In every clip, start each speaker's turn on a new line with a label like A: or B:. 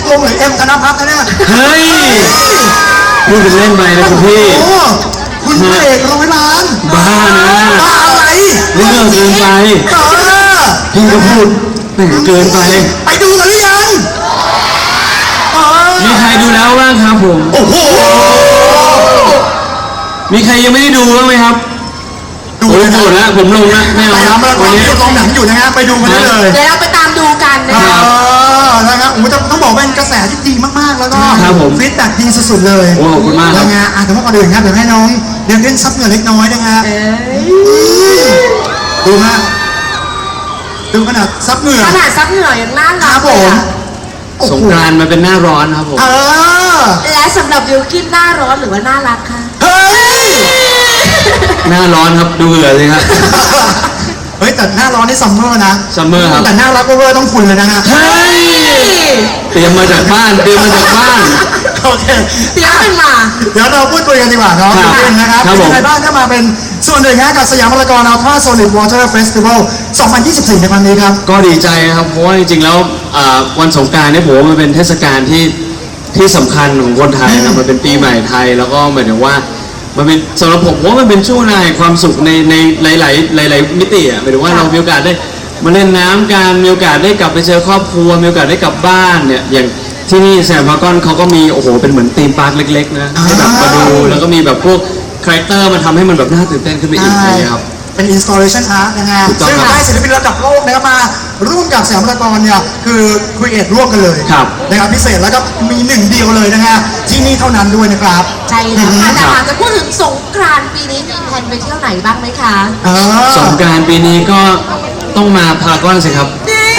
A: ตรงหรือเอ็มธนภัทรนะเนี่ย
B: เฮ้ยพูดเป็นเล่นไปนะคุณพี่
A: คุณพระเอก100 ล้าน
B: บ้านะ
A: บ้าอะไร
B: เรื่องเกินไปพี่ก็พูดแหมเกินไป
A: ไปดูกันหรือยัง
B: มีใครดูแล้วบ้างครับผม
A: โอ้โห
B: มีใครยังไม่ได้ดูบ้างไหมครับดูหมดแล้วผมลงแล้วไม่เอา
A: ครับวันนี้ลงหนังอยู่นะฮะไปดูกันได้เลย
C: เดี๋ยวเราไปตามดูกันนะครับ
A: นะครับโอ้ต้องบอกเป็นกระแสที่ดีมากๆแล้วก็ฟีดแบ็กดีสุดๆเลย
B: โอ้ขอบคุณมาก
A: นะฮะแต่ว่าก่อนอื่นครับเดี๋ยวให้น้องเล่นซับเหงื่อเล็กน้อยนะฮะดูฮะดูขนาดซับเหงื่อ
C: อย่างน่ารัก
A: ครับผม
B: สงกรานต์มาเป็นหน้าร้อนครับผม
C: และสำหรับบิวกิ้นหน้าร้อนหรือว่าน่ารักคะ
B: หน้าร้อนครับดูเหงื่อเลยครับ
A: เฮ้ยแต่หน้าร้อนนี่ซัมเมอร์นะ
B: ซัมเมอร์ครับ
A: แต่หน้ารักเวอร์ต้องคุณเลยนะฮะ
B: เฮ้ยเตรียมมาจากบ้านโอเค
C: เตรียมขึ้นมา
A: เดี๋ยวเราพูดคุยกันดีกว่าเนาะนะครับเป็นไงบ้างถ้ามาเป็นส่วนหนึ่งกับสยามพารากอนอัลตร้าโซลิดวอเตอร์เฟสติวัล2024ในครั้งนี้ครับ
B: ก็ดีใจครับเพราะว่าจริงๆแล้ววันสงกรานต์เนี่ยผมว่ามันเป็นเทศกาลที่สำคัญของคนไทยนะมันเป็นปีใหม่ไทยแล้วก็หมายถึงว่ามันเป็นสำหรับผมว่ามันเป็นช่วงเวลาแห่งความสุขในหลายมิติอ่ะหมายถึงว่าเรามีโอกาสได้มาเล่นน้ำกันมีโอกาสได้กลับไปเจอครอบครัวมีโอกาสได้กลับบ้านเนี่ยอย่างที่นี่สยามพารากอนเขาก็มีโอ้โหเป็นเหมือนธีมพาร์คเล็กๆนะให้แบบมาดูแล้วก็มีแบบพวกคาแรคเตอร์มาทำให้มันแบบน่าตื่นเต้นขึ้นไปอีกนะครับ
A: เป็น installation art นะฮะซึ่งได้ศิลปินระดับโลกนะครับมาร่วมกับสยามพารากอนเนี่ยคือครีเอทร่วมกันเลยนะครับพิเศษแล้วก็มีหนึ่งเดียวเลยนะฮะที่นี่เท่านั้นด้วยนะครับ
C: ใช่แล้วค่ะแต่หากจะพูดถึงสงกรานต์ปีนี้มีแผนไปเที่ยวไหนบ้างไหมคะ
B: สงกรานต์ปีนี้ก็ต้องมาพารากอนสิครับ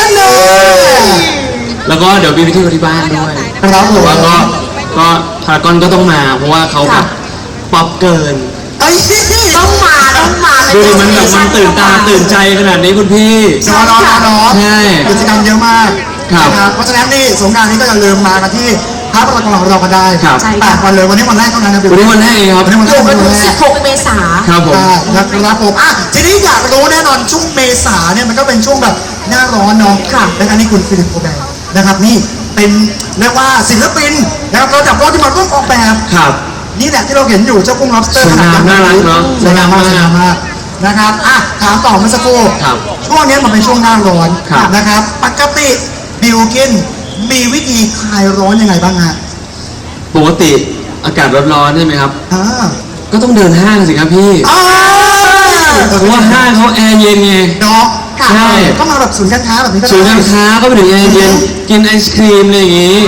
B: แล้วก็เดี๋ยวไปเที่ยวที่บ้านด้วย
A: ครับผม
B: แล้วก็พารากอนก็ต้องมาเพราะว่าเขาแบบป๊อปเกิน
C: ต้องมา
B: ดูดิมันแบบมันตื่นตาตื่นใจขนาดนี้คุณพี่
A: น้อง
B: ใช่
A: กิจกรรมเยอะมากนะครับเพราะฉะนั้นนี่สงกรานต์นี้ก็อย่าลืมมากันที่พารากอนของเราก็ได้8 วันเลยวันนี้วันแรกเท่านั้นนะ
B: วันนี้วันแรกครับ
A: วันนี้วันแรก
C: 16 เมษายน
B: ครับผม
A: นะครับผมทีนี้อยากรู้แน่นอนช่วงเมษาเนี่ยมันก็เป็นช่วงแบบหน้าร้อนเนาะนะครับนี่คุณฟิลิปโอแบร์นะครับนี่เป็นเรียกว่าศิลปินนะครับเราจับโลกที่มาร่วมออกแบบนี่แหละที่เราเห็นอยู่เจ้ากุ้งล็อบสเตอร์
B: ขนาดน่ารักเนาะ
A: สวยงามมากนะครับถามต่อเมื่อสักครู่ช่วงนี้มันเป็นช่วงหน้าร้อนนะครับปกติบิวกินมีวิธีคลายร้อนยังไงบ้างฮะ
B: ปกติอากาศร้อนๆใช่ไหมครับก็ต้องเดินห้างสิครับพี่เพราะว่าห้างเขาแอร์เย็นไง
A: เนาะ
B: ใช่
A: ก็มาแบบศูนย์การค้าแบบนี้ก็
B: ศูนย์การค้าก็ไปถึงแอร์เย็นกินไอศครีมอะไรอย่างงี้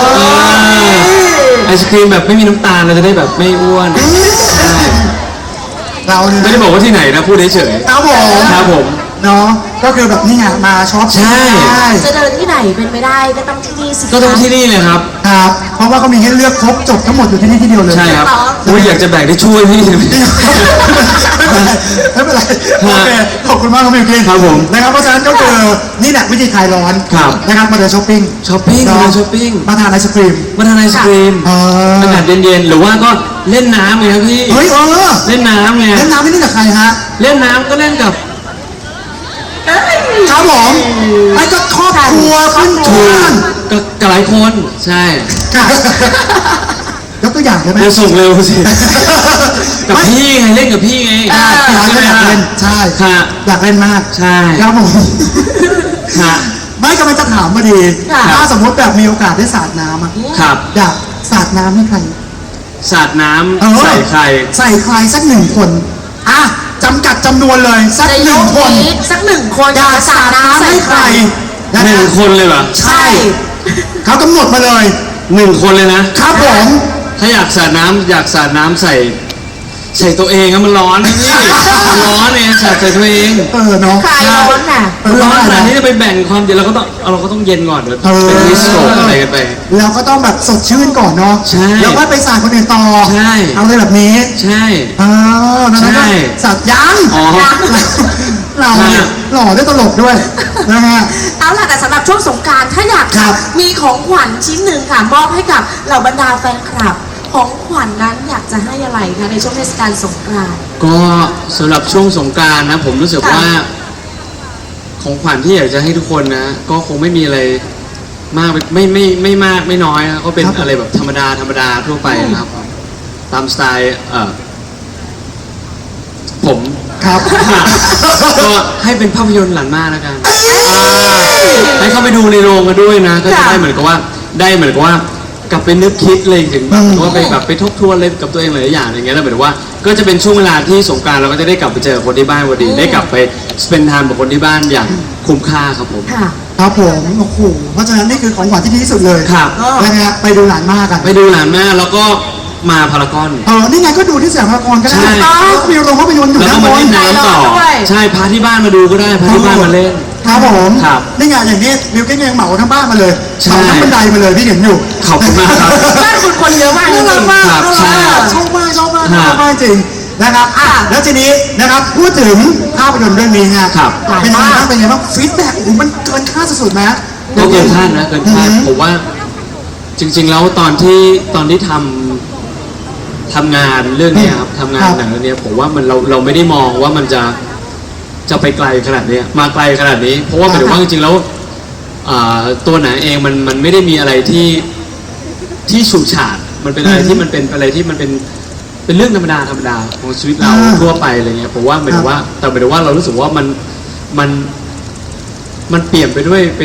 B: ไอศครีมแบบไม่มีน้ำตาลเราจะได้แบบไม่อ้วน
A: เรา
B: ไม่ได้บอกว่าที่ไหนนะพูดเฉย
A: ๆครับผมเนาะก็คือแบบนี่ไงมาช็อป
B: ใช่
C: จะเดินที่ไหนเป็นไม่ได้ก็ต้องที่นี่สิ
B: ก็ต้องที่นี่เลยครับ
A: เพราะว่าเขามีให้เลือกครบจบทั้งหมดอยู่ที่นี่ที่เดียวเลย
B: ใช่ครับอยากจะแบ่งได้ช่วยพี่
A: ไม่เป็นไรโอเคขอบคุณมากครับมิวกิน
B: ครับผม
A: นะครับเพราะฉะนั้นก็คือนี่แหละวิธีคลายร้อนนะครับมาเดินช้อปปิ้งมาทานไอศครีม
B: อากาศเย็นๆหรือว่าก็เล่นน้ำไงครับพี่
A: เฮ้ย
B: เล่นน้ำไง
A: เล่นน้ำนี่กับใครฮะ
B: เล่นน้ำก็เล่นกับ
A: ครับผมไอ้ก็ครอบครัวขึ้นชวน
B: กับหลายคนใช่
A: ยกตัวอย่างได้ไหม
B: ส่งเร็วสิกับพี่ไงเล่นกับพี่ไง
A: อยากเล่นใช่อยากเล่นมาก
B: ใช่
A: ครับผมไม่กำลังจะถามมาดีถ้าสมมติแบบมีโอกาสได้สาดน้ำอยากสาดน้ำให้ใคร
B: สาดน้ำใส่ใคร
A: สัก1 คนจำกัดจำนวนเลยสัก1 คนอยากสาดน้ำให้ใคร
B: 1 คนเลยเหรอ
A: ใช่เขากำหนดมาเลย
B: 1 คนเลยนะครับ
A: ผม
B: ถ้าอยากสาดน้ำใส่ตัวเองมันร้อนนี่ร้อนเนี่ยใส่ตัวเอง
A: เนาะ
C: คลายร้อนน่ะ
B: ร้อนขนาดนี้จะไปแบ่งความเย็นเราก็ต้องเย็นก่อนเป็นฮิสโตรอะไรกันไป
A: เราก็ต้องแบบสดชื่นก่อนเนาะ
B: ใช่
A: แล้วก็ไปสาดคนอื่นต่อ
B: ใช่
A: เอาเลยแบบนี้
B: ใช่
A: ใช่สาดยังเราหล่อได้ตลกด้วยนะฮะ
C: เอาล่ะแต่สำหรับช่วงสงกรานต์ถ้าอยากมีของขวัญชิ้นหนึ่งค่ะมอบให้กับเหล่าบรรดาแฟนคลับของขวัญนั้นอยากจะให้อะไรคะในช่วงเทศกาลสงกรานต์
B: ก็สำหรับช่วงสงกรานต์นะผมรู้สึกว่าของขวัญที่อยากจะให้ทุกคนนะก็คงไม่มีอะไรมากไม่มากไม่น้อยนะก็เป็น
A: ครับ
B: อะไรแบบธรรมดาทั่วไปนะครับ ตามสไตล์ผม
A: ครับ
B: ก็ให้เป็นภาพยนตร์หลังม่านแล้วกันให้เข้าไปดูในโรงกันด้วยนะ ก็จะได้เหมือนกับว่ากลับไปนึกคิดเลยถึงแบบว่าไปแบบไปทบทวนเลยกับตัวเองหลายอย่างอย่างเงี้ยแล้วเหมือนว่าก็จะเป็นช่วงเวลาที่สงกรานต์เราก็จะได้กลับไปเจอคนที่บ้านพอดีได้กลับไปสเปนไทม์กับคนที่บ้านอย่างคุ้มค่าครับผม
C: ค่ะ
A: ครับผมโอ้โหเพราะฉะนั้นนี่คือของขวัญที่ดีที่สุดเลย
B: ครับ
A: นะฮะไปดูหลานมากกัน
B: ไปดูหลานแม่แล้วก็มาพารากอน
A: นี่ไงก็ดูที่สยามพารากอนก็ได้
B: ใช่
A: แล้วก็มีโรงภาพยนตร์อยู่
B: แล้ว
A: ด้า
B: ก็
A: นบ
B: มาน เล่นน้ำต่อ
C: ใจร้อนด้วย
B: ใช่พาที่บ้านมาดูก็ได้พาที่บ้านมาเล่น
A: ครับผม
B: ครับ
A: นี่ไงอย่างนี้มิวกิ้งยังเหมาทั้งบ้านมาเลย
B: ใช่
A: เหมาทั้งบันไดมาเลยพี่เห็นอยู่
B: ขอบคุณมากครับ
C: บ้านคุณคนเยอะมากจ
A: น่า
C: ริ
A: รัก
C: งๆ
A: มาก
B: ครับ
A: น่า
B: ใช่
A: รักชอบมากชอบมาก
B: ฮะ
A: ชอบมากจริงนะครับแล้วทีนี้นะครับพูดถึงภาพยนตร์เรื่องนี้ฮะ
B: ครับ
A: เป็นยังไงบ้างเป็นยังไงบ้างฟีดแบ็กโอ้โหมันเกินคาดสุดๆนะ
B: ก็เกินคาดนะเกินคาด
A: อือฮึ
B: ผมว่าจริง ๆ แล้วตอนที่ทำงานเรื่องเนี้ยครับทำงานหนังเรื่องเนี้ยผมว่ามันเราไม่ได้มองว่ามันจะไปไกลขนาดเนี้ยมาไกลขนาดนี้ เพราะว่าหมายถึงว่าจริงๆแล้วตัวหนังเองมันไม่ได้มีอะไรที่ฉูดฉาดมันเป็นอะไรที่มันเป็นอะไรที่มันเป็นเรื่องธรรมดาของชีวิตเราทั่วไปอะไรเงี้ยผมว่าหมายถึงว่าแต่หมายถึงว่าเรารู้สึกว่ามันเปลี่ยนไป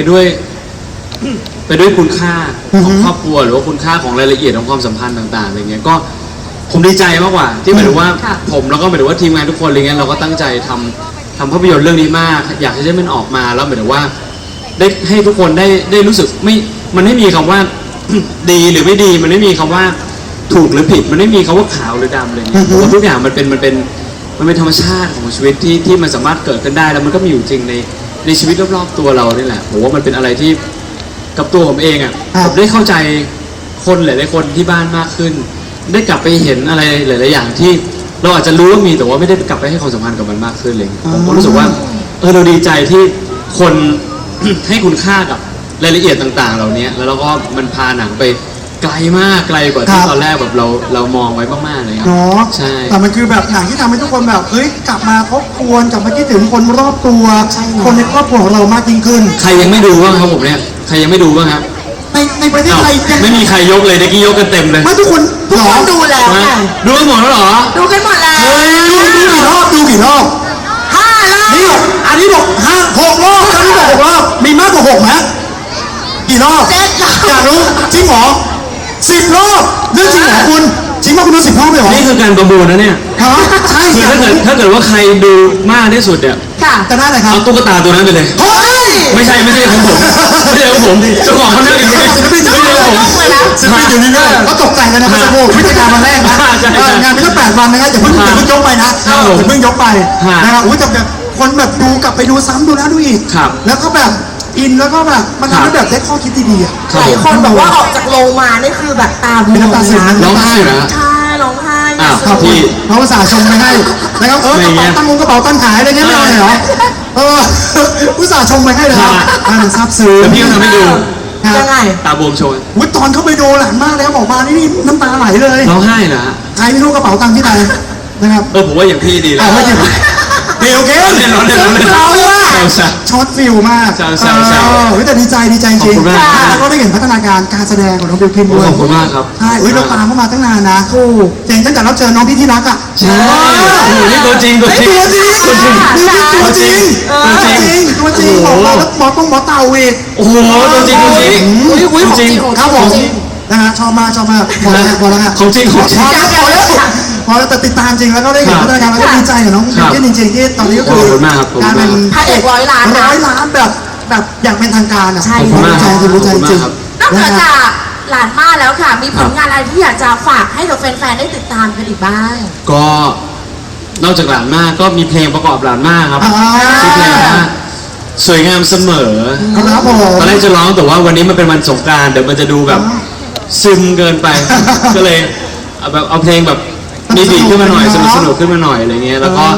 B: ด้วยคุณค่าของครอบครัวหรือว่าคุณค่าของรายละเอียดของความสัมพันธ์ต่างๆอะไรเงี้ยก็ผมดีใจมากกว่าที่หมายถึงว่า
C: ค่ะ
B: ผมแล้วก็หมายถึงว่าทีมงานทุกคนอะไรเงี้ยเราก็ตั้งใจทำภาพยนตร์เรื่องนี้มาก อยากให้มันออกมาแล้วหมายถึงว่าได้ให้ทุกคนได้รู้สึกมันไม่มีคำว่า ดีหรือไม่ดีมันไม่มีคำว่าถูกหรือผิด มันไม่มีคำว่าขาวหรือดำอะไรเงี้ยผมว่าทุกอย่างมันเป็นธรรมชาติของชีวิตที่มันสามารถเกิดขึ้นได้แล้วมันก็มีอยู่จริงในชีวิตรอบๆตัวเรานี่แหละผมว่ามันเป็นอะไรที่กับตัวผมเองอ่ะ
A: ครับ
B: ผมได้เข้าใจคนหลายๆคนที่บ้านมากขึ้น ได้กลับไปเห็นอะไรหลายๆอย่างที่เราอาจจะรู้ว่ามีแต่ว่าไม่ได้กลับไปให้ความสัมพันธ์กับมันมากขึ้นเลยผมก็รู้สึกว่าเราดีใจที่คน ให้คุณค่ากับรายละเอียดต่างๆ เหล่านี้แล้วเราก็มันพาหนังไปไกลมากไกลกว่าที่ตอนแรกแบบเรามองไว้มากๆเลยครับ
A: เนาะ
B: ใช่
A: แต่มันคือแบบหนังที่ทำให้ทุกคนแบบเฮ้ยกลับมาทบทวนกลับมาคิดถึงคนรอบตัว คนในครอบครัวของเรามากยิ่งขึ้น
B: ใครยังไม่ดูบ้างครับผมเนี่ยใครยังไม่ดูบ้างครับ
A: ในประเทศ
B: อ้าว
A: ไทยยัง
B: ไม่มีใครยกเลยเด็กกี้ยกกันเต็มเลย
A: ไม่ทุกคน
C: ทุกคนดูแล้ว
B: นะ
C: ค่ะ
B: ดูกันหมดแล้วเหรอ
C: ดูกันหมดแล้ว
A: ดูกี่รอบ
C: 5 รอบ
A: นี่อันนี้บอก6 รอบอันนี้บอก6 รอบมีมากกว่า6ไหมกี่รอบ
C: 7 รอบ
A: อยากรู้จริงเหรอ10 รอบเรื่องจริงเหรอคุณจริงว่าคุณดู10 รอบเลยเหรอ
B: นี่คือการประมูลนะเนี่ย
A: ฮะใช่
B: คือ
A: ใช่
B: ถ้าเกิดว่าใครดูมากที่สุดเนี่ย
C: ค่ะ
A: จะได้อะไรครับ
B: เอาตุ๊กตาตัวนั้นไปเลย
A: เฮ้ย
B: ไม่ใช่ของผมไม่ใช่ของผมเจ้าของเขานั่งอยู่นี่
A: ศิลปินอยู่นี่เลย ศิลปินอยู่นี่ด้วยก็ตกใจกันนะครับสักครู่วิทยาวันแรกนะ
B: ใช่
A: งานไม่ก็8 วันนะครับอย่าเพิ่งยกไปนะอย่าเพิ่งยกไปนะครับอุ้ยแต่แบบคนแบบดูกลับไปดูซ้ำดูแล้วดูอีก
B: ครับ
A: แล้วก็แบบอินแล้วก็แบบมันทำให้แบบได้ข้อคิดดีๆอ่ะ
B: ครั
C: ห
B: บ
C: ลายคนบอกว่าออกจากโรงมานี่คือแบบตาบว
A: เป็น
C: ม
A: น้ำตาซึมนะ
B: ร้องไห้เหรอ
C: ใช่ร้องไห้
B: อ้าว
A: ขอบคุณเขาอุตส่าห์ชมไปให้นะครับกระ
B: ไม่เงี้
A: เป๋าย ตั้งตั้งขายอะไรเงี้ยไม่เอาเลยเหรออุตส่าห์ชมไปให้เลยครับมันซาบซึ้ง
B: แต่พี่ก็ทำให้ดู
C: ยังไง
B: ตาบวมโชว์
A: อุ้ยตอนเข้าไปดูหลานมากแล้วบอกมานี่น้ำตาไหลเลย
B: ร้องไห้เหรอฮะ
A: ใครไม่รู้กระเป๋าตังค์ที่ไหนนะครับ
B: ผมว่าอย่างพี่ดีแล้
A: เอา
B: ว
A: ไม่จริงดีโอเค
B: ร้อนเล่น
A: เราเลยว่า
B: แซว
A: ช็อตฟิลมาก
B: แซว
A: เฮ้ยแต่ดีใจจริง
B: ขอบคุณมาก
A: แล้วก็ได้เห็นพัฒนาการการแสดงของน้องบิวกินด้วย
B: ขอบคุณมากครับ
A: ใช่เฮ้ยเราตามเขามาตั้งนานนะถูกเจ๋งตั้งแต่เราเจอน้องพี่ที่รักอ่ะ
B: ใช่โอ้โหนี่ตัวจริงตัวจริง
A: ตัวจริง
B: ตัวจริง
A: ตัวจริงบอกมาแล้วหมอต้องหมอเต่าอีก
B: โอ้โหตัวจริงตัวจริง
C: อุ้ยของจริงของ
A: ครับผม
C: จริง
A: นะฮะชอบมากพอแล้วฮะ
B: ของจริงของจริง
A: พอแล้วแต่ติดตามจริงแล้วก็ได้เห็นพัฒนาการแล้วก็ดีใจกับน้องบิวกินจริงๆที่ตอนนี้ก็คือ
B: ขอบคุณมากครับขอบคุณ
A: การ
B: มาก
A: เป็น
C: พระเอก100 ล้านนะ
A: 100 ล้านแบบอย่างเป็นทางการอ่ะ
C: ใช่
B: ขอบคุณมากครับ
A: รู้ใจจริง
B: ขอบคุณมากครับ
C: นอกจากหลานมาแล้วค่ะ มีผลงานอะไรที่อยากจะฝากให้กับแฟนๆได้ติดตามกันอีกบ้าง
B: ก็นอกจากหลานมากก็มีเพลงประกอบหลานมากครับ
A: อ่า
B: ชื่อเพลงว่าสวยงามเสมอ
A: ครับผม
B: ตอนแรกจะร้องแต่ว่าวันนี้มันเป็นวันสงกรานต์เดี๋ยวมันจะดูแบบซึมเกินไป ก็เลยเอาเพลงแบบมีบีทขึ้นมาหน่อยสนุกขึ้นมาหน่อยอะไรเงี้ยแล้วก็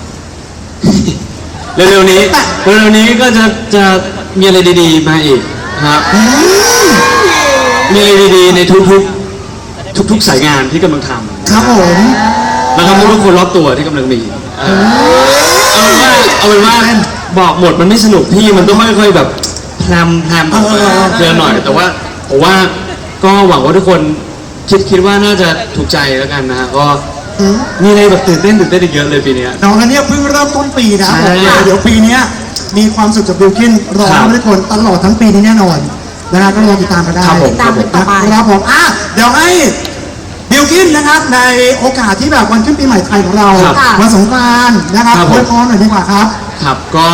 B: เร็วๆนี้ก็จะมีอะไรดีๆมาอีกครับมีอะไรดีๆในทุกสายงานที่กำลังทำ
A: ครับผม
B: แล้วก็ทุกคนรอบตัวที่กำลังมีเอาเป็นว่าบอกหมดมันไม่สนุกพี่มันต้องค่อยๆแบบพพรมออกมาเยอะหน่อย แต่ว่าผมว่าก็หวังว่าทุกคนคิดว่าน่าจะถูกใจแล้วกันนะฮะก็มีอะไรแบบตื่นเต้นอีกเยอะเลยปีเนี้ย
A: น้องอันเนี้ยเพิ่งเริ่มต้นปีนะ
B: ใช่
A: ผมเดี๋ยวปีเนี้ยมีความสุขจากบิลกินรอ
B: ครับ
A: ให้ทุกคนตลอดทั้งปีนี้แน่นอนนะฮะก็รอติดตามกันได้
B: ครับผม
C: ตามกันต่อไป
A: ครับผมเดี๋ยวให้บิลกินนะครับในโอกาสที่แบบวันขึ้นปีใหม่ไทยของเรา
B: ครับ
A: วันสงกรานต์นะครับ
B: ครับผม
A: อวยพรหน่อยดีกว่าครับ
B: ครับก็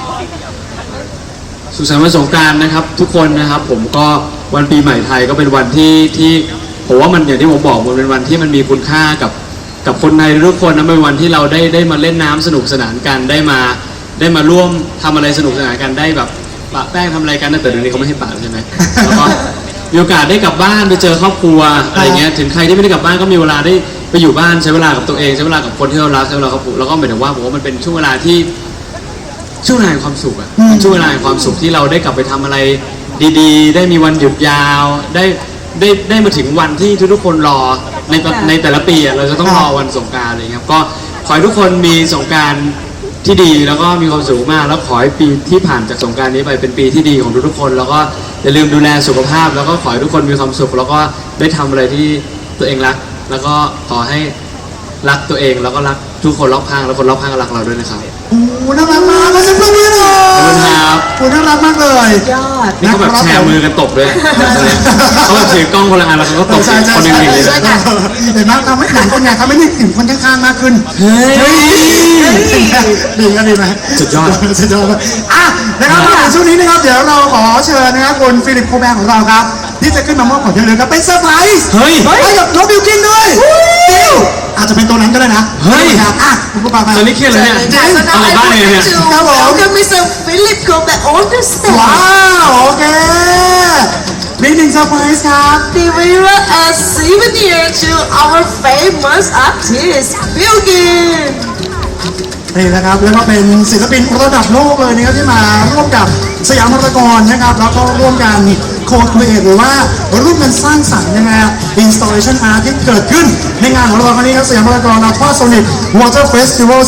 B: สุขสันต์วันสงกรานต์นะครับ ทุกคนนะครับผมก็วันปีใหม่ไทยก็เป็นวันที่ผมว่ามันอย่างที่ผมบอกมันเป็นวันที่มันมีคุณค่ากับคนไทยทุกคนนะเป็นวันที่เราได้มาเล่นน้ำสนุกสนานกันได้มาร่วมทำอะไรสนุกสนานกันได้แบบปะแป้งทำอะไรกันนะแต่เดี๋ยวนี้เขาไม่ให้ปะแล้วใช่ไหมแล้วก็มีโอกาสได้กลับบ้านไปเจอครอบครัวอะไรเงี้ยถึงใครที่ไม่ได้กลับบ้านก็มีเวลาได้ไปอยู่บ้านใช้เวลากับตัวเองใช้เวลากับคนที่เรารักใช้เวลากับครอบครัวแล้วก็หมายถึงว่าผมว่ามันเป็นช่วงเวลาที่ ช่วงเวลาแห่งความสุขอะเป็นช่วงเวลาแห่งความสุขที่เราได้กลับไปทำอะไรดีๆ ได้มีวันหยุดยาวได้มาถึงวันที่ทุกๆคนรอในแต่ละปีอะเราจะต้องรอวันสงกรานต์อะไรเงี้ยครับก็ขอให้ทุกคนมีสงกรานต์ที่ดีแล้วก็มีความสุขมากแล้วขอให้ปีที่ผ่านจากสงกรานต์นี้ไปเป็นปีที่ดีของทุกๆคนแล้วก็อย่าลืมดูแลสุขภาพ แล้วก็ขอให้ทุกคนมีความสุขแล้วก็ได้ทำอะไรที่ตัวเองรัก แล้วก็ขอให้รักตัวเองแล้วก็รักทุกคนรอบข้างแล้วคนรอบข้างก็รักเราด้วยนะครับ
A: โอ้โหน่ารักมากขอเสียงปรบมือหน่อย
B: ขอบคุณครับ
A: โอ้น่ารักมากเลย
C: ยอด
B: นี่เขาแบบแชร์มือกันตบด้วยเขาแบบถือกล้องคนละอันแล้วเขาก็ตบ
A: ใช่
B: คนหนึ่งอย่างนี้
C: ใช่
B: เลย
C: ใช่
A: เห็นไหมทำให้หนังคนไงทำให้นึกถึงคนข้างๆมากขึ้น
B: เฮ้ย
A: ดีก็ดีไหม
B: สุดยอด
A: สุดยอดเลยนะครับในช่วงนี้นะครับเดี๋ยวเราขอเชิญนะครับคุณฟิลิปโคแบงของเราครับที่จะขึ้นมามอบของที่ระลึกครับเป็นเซอร์ไพรส์
B: เฮ้ย
A: ให้กับน้องบิวกินด้วยดิวอาจจะเป็นตัวนั้นก็ได้นะ
B: เฮ้ย
A: ครับคุณผู้ฟังมา
B: ตอนนี้เครียดเลยเนี่ย
C: ค่ะ so now
B: เอากลับ
C: I
B: บ้านเลย
C: want
B: เนี่ย
C: to welcome Mr. Philip Gobert on the stage.
A: ว้าวโอเคมีหนึ่งเซอร์ไพรส์ครับ
C: Deliver a souvenir to our famous artist, Bilgin.
A: นี่นะครับแล้วก็เป็นศิลปินระดับโลกเลยนะครับที่มาร่วมกับสยามพารากอนนะครับแล้วก็ร่วมกันโคครีเอทหรือว่าร่วมกันสร้างสรรค์นะฮะ installation art ที่เกิดขึ้นในงานของเราครั้งนี้ครับสยามพารากอนอัลฟาโซนิกวอเตอร์เฟสติวัล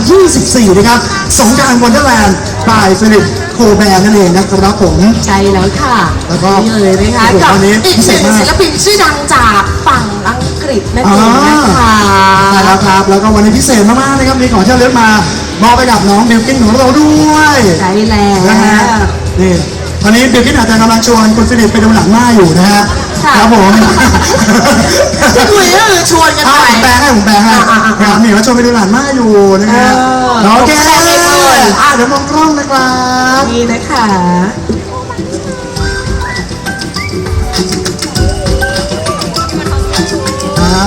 A: 2024 นะครับสงกรานต์วันเดอร์แลนด์บายฟิลิปโคแบร์นั่นเองนะครับผม
C: ใช่แล้วค่ะ
A: แล้วก็
C: นี่เลยนะคะ
A: โอ้โห
C: กับ
A: วันนี้
C: อีก
A: พิ
C: ห
A: เศษ
C: นึ่ง
A: มาก
C: ศิลปินชื่อดังจากฝั่งอังกฤษนั่นเองนะคะ
A: ใช่แล้วครับแล้วก็วันนี้พิเศษมากๆนะครับมีของที่ระลึกมามอบไปกับน้องบิวกินของเราด้วย
C: ใช่แล้
A: นะฮะ
C: ว
A: นี่ตอนนี้บิลกิ้นอาจจะกำลังชวนคุณฟิลิปไปดูหนังหน้าอยู่นะฮะ
C: ค่ะ
A: ครับผม
C: ที่คุยก็คือชวนกันไป
A: ผมแปลให้ครับนี่ว่าชวนไปดูหนังหน้าอยู่นะฮะ
C: เออ
A: โอเค
C: ผมแปลให้ด้วย
A: เดี๋ยวมองกล้องนะครับ
C: นี่นะคะ
A: อ่า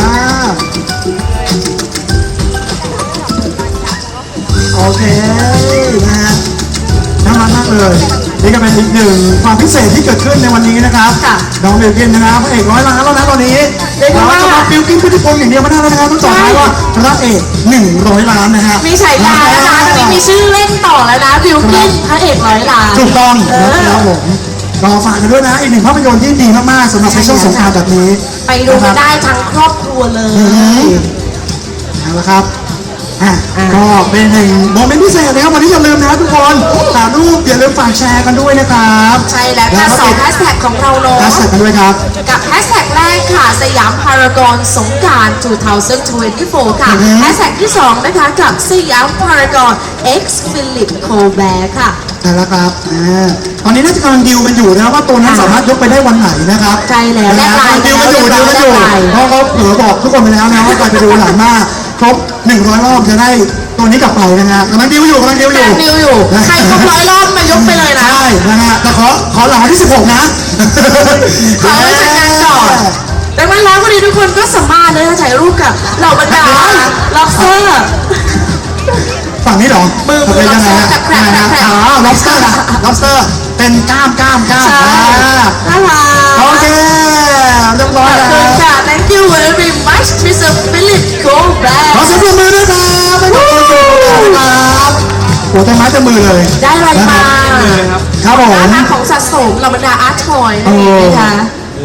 A: โอเคนะฮะน่ารักมากเลยนี่ก็เป็นอีกหนึ่งความพิเศษที่เกิดขึ้นในวันนี้นะครับ
C: ค่ะ
A: น้องบิลกินนะครับพระเอกร้อยล้านแล้วนะตอนนี้
C: เรียกได้ว่า
A: จะมาบิลกินพุทธิพงศ์อย่างเดียวไม่ได้แล้วนะครับต้องต่อท้ายว่าพระเอก100 ล้านนะฮะ
C: มีฉายานะคะตอนนี้มีชื่อเล่นต่อแล้วนะบิวกินพระเอกร้อยล้าน
A: ถูกต้อง
C: เออ
A: นะครับผมก็ฝากกันด้วยนะอีกหนึ่งภาพยนตร์ที่ดีมากๆสำหรับในช่วงสงกรานต์แบบนี้
C: ไปดูกันได้ทั้งครอบครัวเลย
A: เอาละครับก็เป็นหนึ่งโมเมนต์พิเศษนะครับวันนี้อย่าลืมนะทุกคนถ่ายรูปอย่าลืมฝากแชร์กันด้วยนะครับ
C: ใช่แล้วค่ะสองแฮชแท็กของเราเนาะ
A: แฮชแท็กกันด้วยครับ
C: กับแฮชแท็กแรกค่ะสยามพารากอนสงกรานต์2024 ค่ะ แฮชแท็กที่ 2 นะคะกับสยามพารากอน X Philip Colbert ค่ะ
A: ใช่แล้วครับตอนนี้น่าจะกำลังดิวกันอยู่นะครับว่าตัวนั้นสามารถยกไปได้วันไหนนะครับ
C: ใช่แล้ว
A: นะ
C: แลกไลน์
A: ดิวกันอยู่
C: แล
A: ดิว
C: ก
A: กัน
C: ไลน์
A: อยู่
C: แลกไลน์
A: เพราะเขาเผลอบอกทุกคนไปแล้วนะว่าใครไปดูหลังหน้าครบ100 รอบจะได้ตัวนี้กลับไปนะฮะกำลังดิวอยู่
C: แรงดิวอยู่ ใครครบ100 รอบมายกไปเลยนะ
A: ใช่นะฮะแต่ขอหลังวันที่ 16 นะ
C: ขอไว้จัดการก่อนดังนั้นแล้ววันนี้ทุกคนก็สามารถเลยนะถ่ายรูปกับเหล่าบรรดาล็อบสเตอร์
A: ฝั่งนี้เหรอ
C: มือ
A: ยังไงฮะ
C: lobster แคร
A: ยังไง
C: บ
A: ฮะอ๋อ lobster นะ lobster เป็นกล้าม
C: ใช่
A: อ่า
C: น่ารัก
A: โอเคเรียบร้อย
C: ขอบ
A: แล้
C: คุณ
A: ว
C: ค่ะ thank you very much Mr. Philip Colbert
A: ขอเสียงปรบมือด้วยครับไม่ต้องคนดูครับโอ้แต่ไม้แต่มือเลย
C: ได้อะไรมา
B: เลยครับ
A: ครับผม
C: ร้านของสะสมเหล่าบรรดาอาร์ตทอยนั่นเองนะคะ
B: ว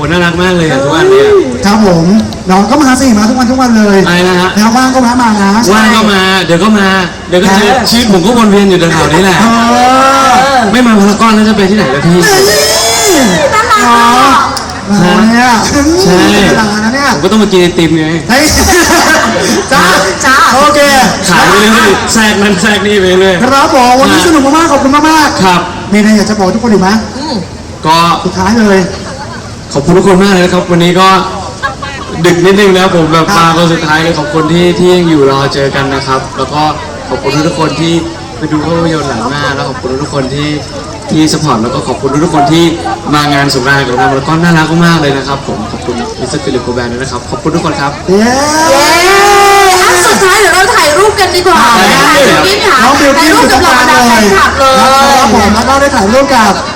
B: น่ารักมากเลยอะทุกวันเนี่ย
A: ครับผมน้องก็มาสิมาทุกวันเลย
B: อะไรนะฮะ
A: นะครับว่างก็แวะมานะ
B: ว่างก็มาเดี๋ยวก็มาเดี๋ยวก็เจอชีวิตผมก็วนเวียนอยู่แถวๆนี้แหละ
A: เออ
B: ไม่มาพารากอนแล้วจะไปที่ไหนล่ะพี่
C: น่ารัก
A: อ๋อ
C: อ่ะ
A: เนี่ย
B: ใช่
A: เวลานะเนี่ย
B: ผมก็ต้องมากินไอติมไง
A: เฮ้ยจ้า
C: จ้า
A: โอเค
B: ขายไปเรื่อยๆแทรกนั้นแทรกนี่ไปเรื่อย
A: ครับผมวันนี้สนุกมากๆขอบคุณมาก
B: ครับ
A: ๆมีอะไรอยากจะบอกทุกคนอีกไหม
B: ก็
A: สุดท้ายเลย
B: ขอบคุณทุกคนมากเลยนะครับ วันนี้ก็ดึกนิดนึงแล้วผมแบบมาคนสุดท้ายเลยขอบคุณที่ยังอยู่รอเจอกันนะครับ แล้วก็ขอบคุณทุกคนที่ไปดูภาพยนตร์หลังหน้าแล้วขอบคุณทุกคนที่สปอร์ตแล้วก็ขอบคุณทุกคนที่มางานสงกรานต์กับเราแล้วก็น่ารักมากๆเลยนะครับผมขอบคุณมิสเตอร์ฟิลิปโกแบนด้วยนะครับขอบคุณทุกคนครับ
A: เย้
C: เย้อันสุดท้ายเดี๋ยวเราถ่ายรูปกันดีกว่านะคะ
B: ได้
C: คุณพี่ค่ะ
A: น้องบิว
C: ถ่าย
A: กิ้น
C: รู
A: อ
C: ป
A: ยู่ต
C: กั
A: ร
C: บ
A: ง
C: เห
A: ก
C: ล่า
A: ลาง
C: บรรดา
A: เล
C: แฟ
A: ย
C: นคลับเล
A: ครับ
C: ย
A: ผมแล้วก็ได้ถ่ายรูปกับ